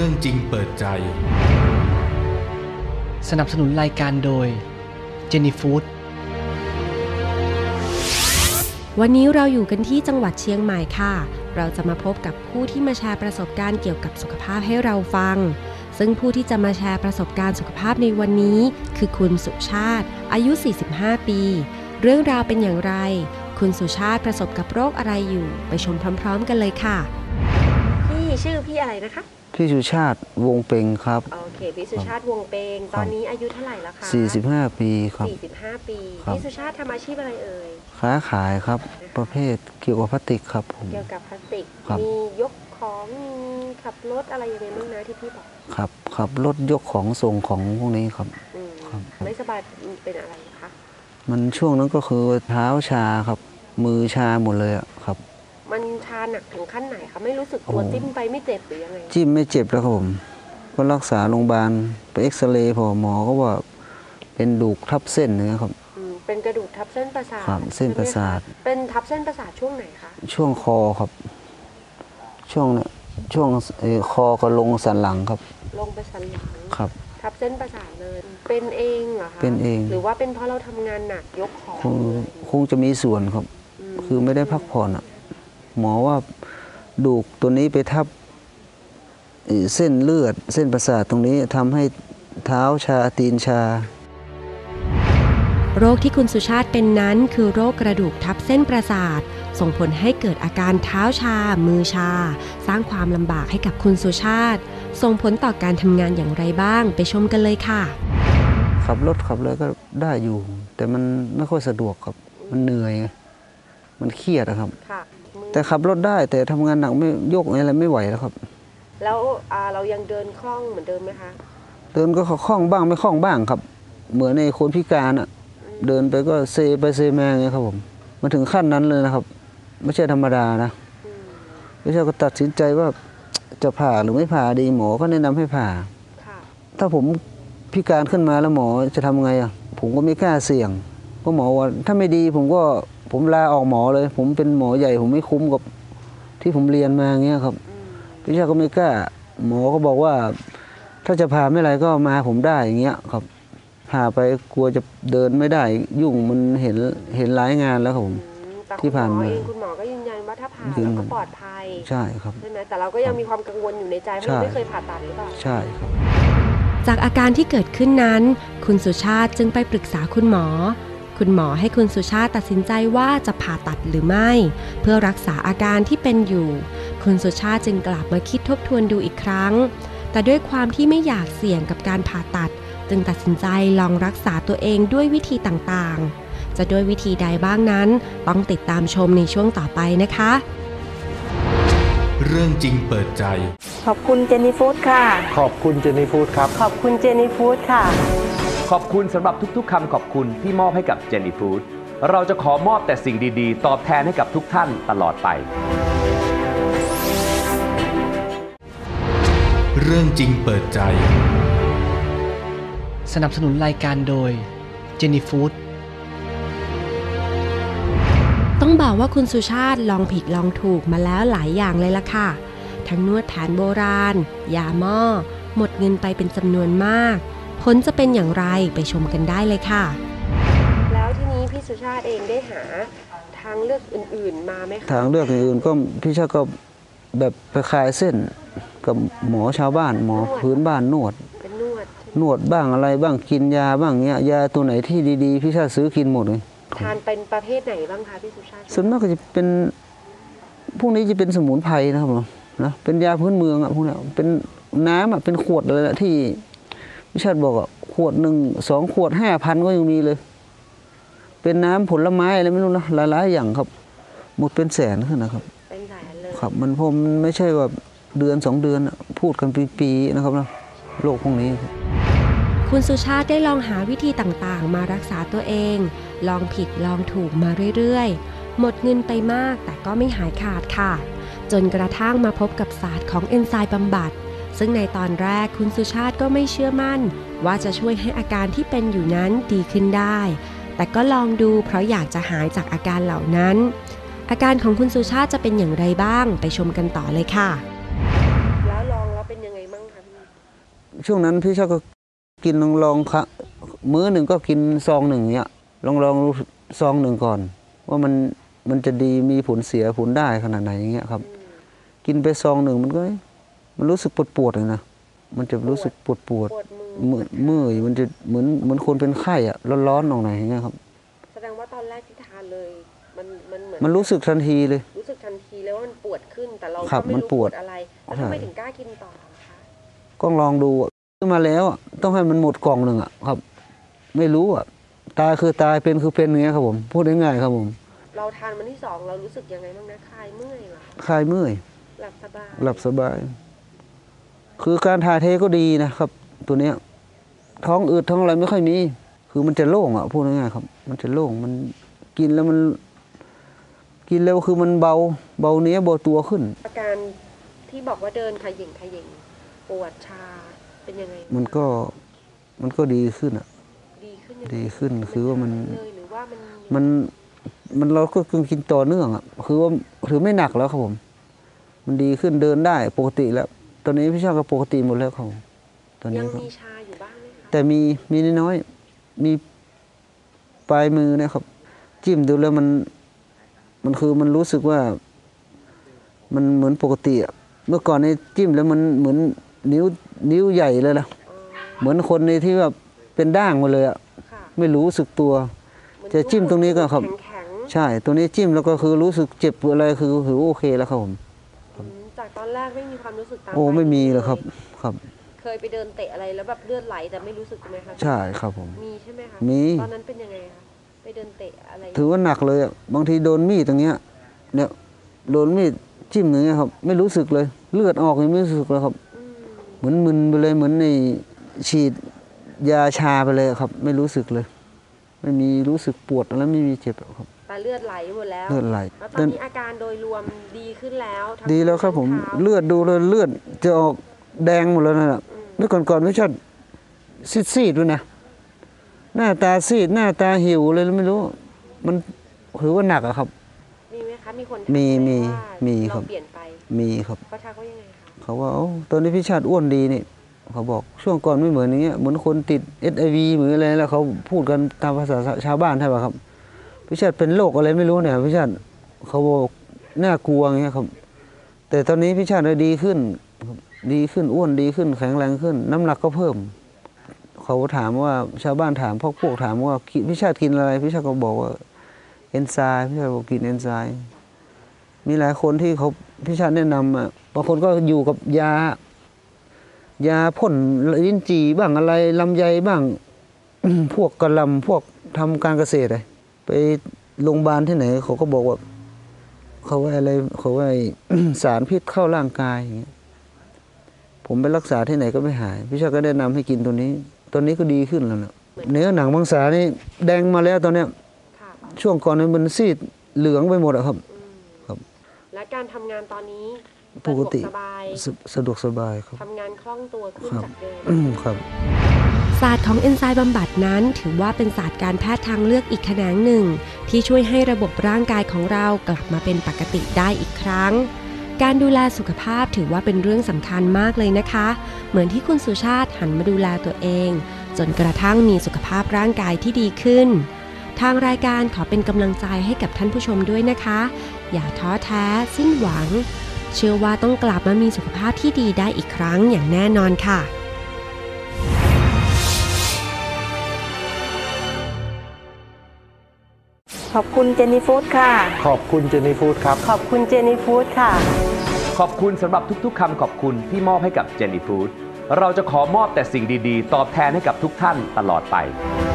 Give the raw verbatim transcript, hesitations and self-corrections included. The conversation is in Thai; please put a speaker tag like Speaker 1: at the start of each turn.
Speaker 1: รื่องจริงเปิดใจ
Speaker 2: สนับสนุนรายการโดยเจนี่ฟู้ด
Speaker 3: วันนี้เราอยู่กันที่จังหวัดเชียงใหม่ค่ะเราจะมาพบกับผู้ที่มาแชร์ประสบการณ์เกี่ยวกับสุขภาพให้เราฟังซึ่งผู้ที่จะมาแชร์ประสบการณ์สุขภาพในวันนี้คือคุณสุชาติอายุสี่สิบห้าปีเรื่องราวเป็นอย่างไรคุณสุชาติประสบกับโรคอะไรอยู่ไปชมพร้อมๆกันเลยค่ะพี่ชื่อพี่อะไรนะคะ
Speaker 4: พี่สุชาติวงเปงครับ
Speaker 3: โอเคพี่สุชาติวงเปงตอนนี้อายุเท่าไหร่แล้วคะ
Speaker 4: สี่สิบห้าปีครับ
Speaker 3: สี่สิบห้าปีพี่สุชาติทำอาชีพอะไรเอ่ย
Speaker 4: ค้าขายครับประเภทเกี่ยวกับพลาสติกครับผม
Speaker 3: เกี่ยวกับพลาสติกมียกของมีขับรถอะไรอย่างไรบ้างนะที่พี่บอก
Speaker 4: ครับขับรถยกของส่งของพวกนี้ครับ
Speaker 3: ไม่สบายเป็นอะไรคะ
Speaker 4: มันช่วงนั้นก็คือเท้าชาครับมือชาหมดเลยอะครับ
Speaker 3: มันชาหนักถึงขั้นไหนคะไม่รู้สึกตัวจิ้มไปไม่เจ็บหรือยังไง
Speaker 4: จิ้มไม่เจ็บแล้วครับผมก็รักษาโรงพยาบาลไปเอ็กซเรย์พอหมอก็ว่าเป็นดูกทับเส้นนะครับ
Speaker 3: เป็นกระดูกทับเส้นประสาท
Speaker 4: ครับเส้นประสาท
Speaker 3: เป็นทับเส้นประสาทช่วงไหนคะ
Speaker 4: ช่วงคอครับช่วงเนี่ยช่วงคอก็ลงสันหลังครับ
Speaker 3: ลงไปสันหลัง
Speaker 4: ครับ
Speaker 3: ทับเส้นประสาทเลยเป็นเองเหรอคะ
Speaker 4: เป็นเอง
Speaker 3: หรือว่าเป็นเพราะเราทำงานหนักยกของ
Speaker 4: คงคงจะมีส่วนครับคือไม่ได้พักผ่อนอ่ะหมอว่าดูกตัวนี้ไปทับเส้นเลือดเส้นประสาทตรงนี้ทำให้เท้าชาตีนชา
Speaker 3: โรคที่คุณสุชาติเป็นนั้นคือโรคกระดูกทับเส้นประสาทส่งผลให้เกิดอาการเท้าชามือชาสร้างความลำบากให้กับคุณสุชาติส่งผลต่อการทำงานอย่างไรบ้างไปชมกันเลยค่ะ
Speaker 4: ขับรถขับเลยก็ได้อยู่แต่มันไม่ค่อยสะดวกครับมันเหนื่อยมันเครียดนะครับแต่ขับรถได้แต่ทำงานหนักไม่ยกอะไรไม่ไหวแล้วครับ
Speaker 3: แล้วเรายังเดินคล่องเหมือนเดิมไหมคะ
Speaker 4: เดินก็คล่องบ้างไม่คล่องบ้างครับเหมือนในคนพิการอ่ะเดินไปก็เซไปเซมาไงครับผมมาถึงขั้นนั้นเลยนะครับไม่ใช่ธรรมดานะไม่ใช่ก็ตัดสินใจว่าจะผ่าหรือไม่ผ่าดีหมอก็แนะนำให้ผ่าถ้าผมพิการขึ้นมาแล้วหมอจะทำไงอ่ะผมก็ไม่กล้าเสี่ยงเพราะหมอว่าถ้าไม่ดีผมก็ผมลาออกหมอเลยผมเป็นหมอใหญ่ผมไม่คุ้มกับที่ผมเรียนมาอย่างเงี้ยครับพี่ชายก็ไม่กล้าหมอก็บอกว่าถ้าจะผ่าไม่ไรก็มาผมได้อย่างเงี้ยครับผ่าไปกลัวจะเดินไม่ได้ยุ่งมันเห็นเห็นหลายงานแล้วครับผมที่ผ่านมา
Speaker 3: คุณหมอก็ยืนยันว่าถ้าผ่าเราก็ปลอดภัย
Speaker 4: ใช่ครับ
Speaker 3: ใช่ไหมแต่เราก็ยังมีความกังวลอยู่ในใจเพราะไม่เคยผ่าตัดหรือเปล่า
Speaker 4: ใช่ครับ
Speaker 3: จากอาการที่เกิดขึ้นนั้นคุณสุชาติจึงไปปรึกษาคุณหมอคุณหมอให้คุณสุชาติตัดสินใจว่าจะผ่าตัดหรือไม่เพื่อรักษาอาการที่เป็นอยู่คุณสุชาติจึงกลับมาคิดทบทวนดูอีกครั้งแต่ด้วยความที่ไม่อยากเสี่ยงกับการผ่าตัดจึงตัดสินใจลองรักษาตัวเองด้วยวิธีต่างๆจะด้วยวิธีใดบ้างนั้นต้องติดตามชมในช่วงต่อไปนะคะ
Speaker 1: เรื่องจริงเปิดใจ
Speaker 3: ขอบคุณเจนี่ฟู้ดค่ะ
Speaker 5: ขอบคุณเจนี่ฟู้ดครับ
Speaker 3: ขอบคุณเจนี่ฟู้ดค่ะ
Speaker 5: ขอบคุณสำหรับทุกๆคำขอบคุณที่มอบให้กับเจนี่ฟู้ดเราจะขอมอบแต่สิ่งดีๆตอบแทนให้กับทุกท่านตลอดไป
Speaker 1: เรื่องจริงเปิดใจ
Speaker 2: สนับสนุนรายการโดยเจนี่ฟู้ด
Speaker 3: ต้องบอกว่าคุณสุชาติลองผิดลองถูกมาแล้วหลายอย่างเลยล่ะค่ะทั้งนวดแผนโบราณยาหม้อหมดเงินไปเป็นจำนวนมากผลจะเป็นอย่างไรไปชมกันได้เลยค่ะแล้วทีนี้พี่สุชาติเองได้หาทางเลือกอื่นๆมาไหมคะ
Speaker 4: ทางเลือกอื่นๆก็พี่ชาติก็แบบไปคลายเส้นกับหมอชาวบ้านหมอพื้นบ้านนวด
Speaker 3: เป็นนวด
Speaker 4: นวดบ้างอะไรบ้างกินยาบ้างเงี้ยยาตัวไหนที่ดีๆพี่ชาติซื้อกินหมดเลย
Speaker 3: ทานเป็นประเภทไหนบ้างคะพี่สุชาติ
Speaker 4: ส่วนมากก็จะเป็นพวกนี้จะเป็นสมุนไพรนะครับนะเป็นยาพื้นเมืองอ่ะพวกนี้เป็นน้ำอ่ะเป็นขวดเลยแหละที่พี่ชาติบอกอ่ะขวดหนึ่งสองขวดห้าพันก็ยังมีเลยเป็นน้ำผลไม้อะไรไม่รู้นะหลายๆอย่างครับหมดเป็นแสนขึ้นนะครับ
Speaker 3: เป็นแสนเลย
Speaker 4: ครับมันผมไม่ใช่ว่าเดือนสองเดือนพูดกันปีๆนะครับนะโรคพวกนี้
Speaker 3: คุณสุชาติได้ลองหาวิธีต่างๆมารักษาตัวเองลองผิดลองถูกมาเรื่อยๆหมดเงินไปมากแต่ก็ไม่หายขาดค่ะจนกระทั่งมาพบกับศาสตร์ของเอนไซม์บำบัดซึ่งในตอนแรกคุณสุชาติก็ไม่เชื่อมั่นว่าจะช่วยให้อาการที่เป็นอยู่นั้นดีขึ้นได้แต่ก็ลองดูเพราะอยากจะหายจากอาการเหล่านั้นอาการของคุณสุชาติจะเป็นอย่างไรบ้างไปชมกันต่อเลยค่ะแล้วลองแล้วเป็นยังไงบ้างคะ
Speaker 4: ช่วงนั้นพี่ชาก็กินลองลองค่ะมื้อหนึ่งก็กินซองหนึ่งเนี้ยลองลองซองหนึ่งก่อนว่ามันมันจะดีมีผลเสียผลได้ขนาดไหนอย่างเงี้ยครับกินไปซองหนึ่งมันก็มันรู้สึกปวดปวดเลยนะมันจะรู้สึกปวดปวดมือมือมันจะเหมือนเหมือนคนเป็นไข้อะร้อนๆตรงไหนอย่างเงี้ยครับ
Speaker 3: แสดงว่าตอนแรกที่ทานเลยมันมันเหมือน
Speaker 4: มันรู้สึกทันทีเลย
Speaker 3: รู้สึกทันทีเลยว่ามันปวดขึ้นแต่เรา
Speaker 4: ก็
Speaker 3: ไม่รู้ปวดอะไรแล้วทำไมถึงกล้ากินต่อคะ
Speaker 4: ก็ลองดูซื้อมาแล้วต้องให้มันหมดกล่องหนึ่งอะครับไม่รู้อะตายคือตายเป็นคือเป็นอย่างเงี้ยครับผมพูดง่ายๆครับผม
Speaker 3: เราทานวันที่สองเรารู้สึกยังไงบ้างนะคลายเมื่อยเหรอ
Speaker 4: คลายเมื่อย
Speaker 3: หลับสบาย
Speaker 4: หลับสบายคือการถ่ายเทก็ดีนะครับตัวเนี้ยท้องอืดท้องอะไรไม่ค่อยมีคือมันจะโล่งอ่ะพูดง่ายๆครับมันจะโล่งมันกินแล้วมันกินแล้วคือมันเบาเบาเนี้ยเบาตัวขึ้น
Speaker 3: อาการที่บอกว่าเดินขย่งขย่งปวดชาเป็นยังไง
Speaker 4: มันก็มันก็ดีขึ้นอ่ะ
Speaker 3: ดีขึ้น
Speaker 4: ดีขึ้นคือว่ามัน
Speaker 3: หรือว่ามัน
Speaker 4: มันมันเราก็กินต่อเนื่องอ่ะคือว่าถือไม่หนักแล้วครับผมมันดีขึ้นเดินได้ปกติแล้วตอนนี้พี่ชาก็ปกติหมดแล้วครับตอนนี้
Speaker 3: ยังมีชาอยู่บ้างไหมคะ
Speaker 4: แต่มีมีน้อยมีปลายมือนะครับจิ้มดูแล้วมันมันคือมันรู้สึกว่ามันเหมือนปกติอ่ะเมื่อก่อนในจิ้มแล้วมันเหมือนนิ้วนิ้วใหญ่เลยนะเหมือนคนในที่แบบเป็นด่างมาเลยอ่ะไม่รู้สึกตัวจะจิ้มตรงนี้ก็ครับใช่ตัวนี้จิ้มแล้วก็คือรู้สึกเจ็บอะไรคือถือโอเคแล้วครับผม
Speaker 3: จากตอนแรกไม่มีความรู้สึกตาม
Speaker 4: โอ้ไม่มีเลยครับครับ
Speaker 3: เคยไปเดินเตะอะไรแล้วแบบเลือดไหลแต่ไม่รู้สึกไหมคะ
Speaker 4: ใช่ครับผม
Speaker 3: มีใช่ไหมคะ
Speaker 4: มี
Speaker 3: ตอนนั้นเป็นยังไงคะไปเดินเตะอะไร
Speaker 4: ถือว่าหนักเลยอ่ะบางทีโดนมีดตรงเนี้ยเนี่ยโดนมีดจิ้มอย่างเงี้ยครับไม่รู้สึกเลยเลือดออกยังไม่รู้สึกเลยครับเหมือนมึนไปเลยเหมือนในฉีดยาชาไปเลยครับไม่รู้สึกเลยไม่มีรู้สึกปวดแล้วไม่มีเจ็บครับ
Speaker 3: แต่เลือดไหลหมดแล้ว
Speaker 4: เลือดไหล
Speaker 3: แล้วตอนนี้อาการโดยรวมดีขึ้นแล้ว
Speaker 4: ดีแล้วครับผมเลือดดูเลยเลือดจะออกแดงหมดแล้วนะเมื่อก่อนๆไม่ใช่ซีดๆด้วยนะหน้าตาซีดหน้าตาหิวเลยไม่รู้มันถือว่าหนักอะครับ
Speaker 3: มีไหมคะมีคน
Speaker 4: มีมีมีครับ
Speaker 3: เปลี่ยนไป
Speaker 4: มีครับ
Speaker 3: เขาทักว่ายังไงคะ
Speaker 4: เขาว่าตอนนี้พี่ชาติอ้วนดีนี่เขาบอกช่วงก่อนไม่เหมือนอย่างเงี้ยเหมือนคนติด เอช ไอ วี เหมือนอะไรแล้วเขาพูดกันตามภาษาชาวบ้านใช่ป่ะครับพี่ชาติเป็นโรคอะไรไม่รู้เนี่ยพี่ชาติเขาบอกน่ากลัวอย่างเงี้ยครับแต่ตอนนี้พี่ชาติดีขึ้นดีขึ้นอ้วนดีขึ้นแข็งแรงขึ้นน้ำหนักก็เพิ่มเขาถามว่าชาวบ้านถามพวกพวกถามว่าพี่ชาติกินอะไรพี่ชาติก็บอกว่าเอนไซม์พี่ชาติบอกกินเอนไซม์มีหลายคนที่เขาพี่ชาติแนะนำอ่ะบางคนก็อยู่กับยายาพ่นลิ้นจี่บ้างอะไรลำไยบ้าง พวกกระลำพวกทำการเกษตรไปโรงพยาบาลที่ไหนเขาก็บอกว่าเขาว่าอะไรเขาว่า สารพิษเข้าร่างกายอย่างเงี้ยผมไปรักษาที่ไหนก็ไม่หายพี่ชาติก็แนะนำให้กินตัวนี้ตัวนี้ก็ดีขึ้นแล้วนะเนื้อหนังมังสานี่แดงมาแล้วตอนเนี้ยช่วงก่อนมันซีดเหลืองไปหมดอะครับครับ
Speaker 3: และการทำงานตอนนี้
Speaker 4: ปกติ
Speaker 3: สบาย
Speaker 4: สะดวกสบายครับ
Speaker 3: ทำงานคล่องตัวขึ้นจากเดิม
Speaker 4: ครับ
Speaker 3: ศาสตร์ของเอนไซม์บำบัดนั้นถือว่าเป็นศาสตร์การแพทย์ทางเลือกอีกแขนงหนึ่งที่ช่วยให้ระบบร่างกายของเรากลับมาเป็นปกติได้อีกครั้งการดูแลสุขภาพถือว่าเป็นเรื่องสำคัญมากเลยนะคะเหมือนที่คุณสุชาติหันมาดูแลตัวเองจนกระทั่งมีสุขภาพร่างกายที่ดีขึ้นทางรายการขอเป็นกำลังใจให้กับท่านผู้ชมด้วยนะคะอย่าท้อแท้สิ้นหวังเชื่อว่าต้องกลับมามีสุขภาพที่ดีได้อีกครั้งอย่างแน่นอนค่ะ
Speaker 6: ขอบคุณเจนี่ฟู้ดค่ะ
Speaker 5: ขอบคุณเจนี่ฟู้ดครับ
Speaker 6: ขอบคุณเจนี่ฟู้ดค่ะ
Speaker 5: ขอบคุณสำหรับทุกๆคำขอบคุณที่มอบให้กับเจนี่ฟู้ดเราจะขอมอบแต่สิ่งดีๆตอบแทนให้กับทุกท่านตลอดไป